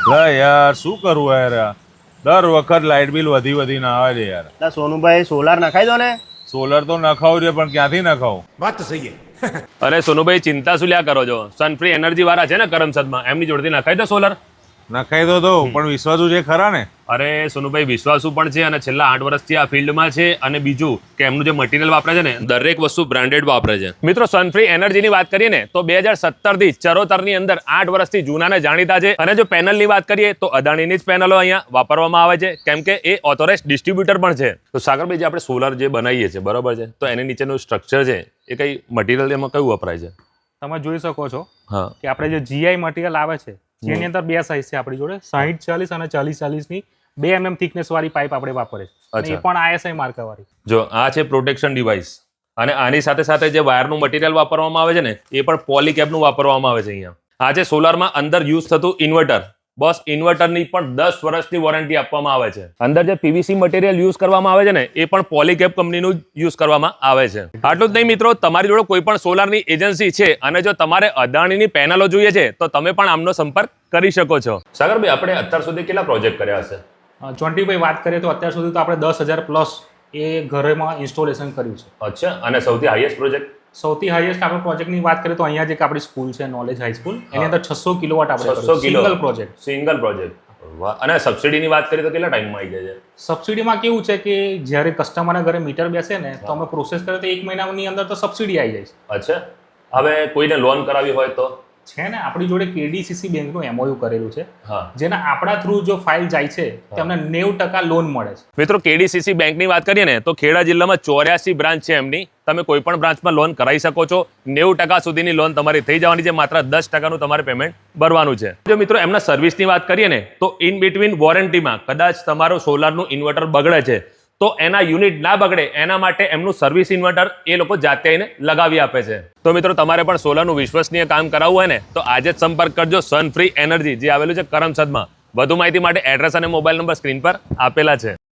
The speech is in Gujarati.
યાર શું કરવું યાર, દર વખત લાઇટ બિલ વધીને આવે છે યાર. એટલે સોનુભાઈ સોલાર નખાઈ દો ને. સોલર તો નખાવું છે પણ ક્યાંથી નખાવું? વાત તો સહી છે. અરે સોનુભાઈ ચિંતા શું લ્યા કરો છો? સનફ્રી એનર્જી વાળા છે ને કરમસદમાં, એમની જોડેથી નખાઈ દો સોલર. નખાઈ તો દઉં પણ વિશ્વાસુ છે ખરા ને? અરે સોનુભાઈ વિશ્વાસુ પણ છે અને છેલ્લા 8 વર્ષથી આ ફિલ્ડમાં છે. અને બીજું કે એમનું જે મટીરિયલ વાપરે છે ને દરેક વસ્તુ બ્રાન્ડેડ વાપરે છે. મિત્રો સનફ્રી એનર્જીની વાત કરીએ ને તો 2017 થી ચરોતરની અંદર 8 વર્ષથી જૂનાને જાણીતા છે. અને જો પેનલની વાત કરીએ તો અદાણીની જ પેનલો અહીંયા વાપરવામાં આવે છે, કેમ કે એ ઓથોરાઇઝ ડિસ્ટ્રીબ્યુટર પણ છે. તો સાગરભાઈ જે આપણે સોલર જે બનાવીએ છીએ બરોબર છે, તો એની નીચેનું સ્ટ્રક્ચર છે એ કઈ મટીરિયલ એમાં કયું વપરાય છે? તમે જોઈ શકો છો હા કે આપણે જે જીઆઈ મટીરિયલ આવે છે જેની અંદર બે સાઇઝ છે આપણી જોડે, 60-40 અને 40-40 ની 2 mm થિકનેસ વાળી પાઇપ આપણે વાપરે છે અને એ પણ આઈએસઆઈ માર્કા વાળી. જો આ છે પ્રોટેક્શન ડિવાઇસ અને આની સાથે સાથે જે વાયરનું મટીરિયલ વાપરવામાં આવે છે ને એ પણ પોલીકેબનું વાપરવામાં આવે છે. અહીંયા આ છે સોલારમાં અંદર યુઝ થતું ઇન્વર્ટર. બસ ઇન્વર્ટરની પણ 10 વર્ષની વોરંટી આપવામાં આવે છે. અંદર જે પીવીસી મટીરિયલ યુઝ કરવામાં આવે છે ને એ પણ પોલીકેબ કંપનીનું યુઝ કરવામાં આવે છે. આટલું જ નહીં મિત્રો, તમારી જોડે કોઈ પણ સોલારની એજન્સી છે અને જો તમારે અદાણીની પેનલો જોઈએ છે તો તમે પણ આમનો સંપર્ક કરી શકો છો. સાગરભાઈ આપણે અત્યાર સુધી કેટલા પ્રોજેક્ટ કર્યા હશે? જોન્ટીભાઈ વાત કરીએ તો અત્યાર સુધી તો આપણે 10,000+ એ ઘરેમાં ઇન્સ્ટોલેશન કર્યું છે. અચ્છા, અને સૌથી હાઈએસ્ટ પ્રોજેક્ટ? સૌથી હાઈએસ્ટ આપણે પ્રોજેક્ટની વાત કરીએ તો અહીંયા જે આપણી સ્કૂલ છે નોલેજ હાઈ સ્કૂલ, એની અંદર 600 કિલોવોટ આપણે 600 સિંગલ પ્રોજેક્ટ. Single project. વાહ. અને સબસિડીની વાત કરીએ તો કેટલા ટાઈમમાં આવી જાય છે? સબસિડીમાં કેવું છે કે જ્યારે કસ્ટમરના ઘરે મીટર બેસે ને તો અમે પ્રોસેસ કરીએ તો 1 મહિનાની અંદર તો સબસિડી આવી જાય છે. અચ્છા, હવે કોઈને લોન કરાવી હોય તો? છે ને આપણી જોડે કેડીસીસી બેંકનું એમઓયુ કરેલું છે, હા, જેના આપણા થ્રુ જો ફાઇલ જાય છે તેમને 90% લોન મળે છે. મિત્રો કેડીસીસી બેંકની વાત કરીએ ને તો ખેડા જિલ્લામાં 84 બ્રાન્ચ છે એમની. તમે કોઈ પણ બ્રાન્ચમાં લોન કરાવી શકો છો. 90% સુધીની લોન તમારી થઈ જવાની છે, માત્ર 10%નું તમારે પેમેન્ટ ભરવાનું છે. જો મિત્રો એમના સર્વિસની વાત કરીએ ને તો ઇન બિટવીન વોરંટીમાં કદાચ તમારું સોલારનું ઇન્વર્ટર બગડે છે તો એના યુનિટ ના બગડે એના માટે એમનું સર્વિસ ઇન્વર્ટર એ લોકો જાતે આવીને લગાવી આપે છે. તો મિત્રો તમારે પણ સોલારનું વિશ્વસનીય કામ કરાવવું હોય ને તો આજે જ સંપર્ક કરજો સનફ્રી એનર્જી, જે આવેલું છે કરમસદમાં. વધુ માહિતી માટે એડ્રેસ અને મોબાઈલ નંબર સ્ક્રીન પર આપેલા છે.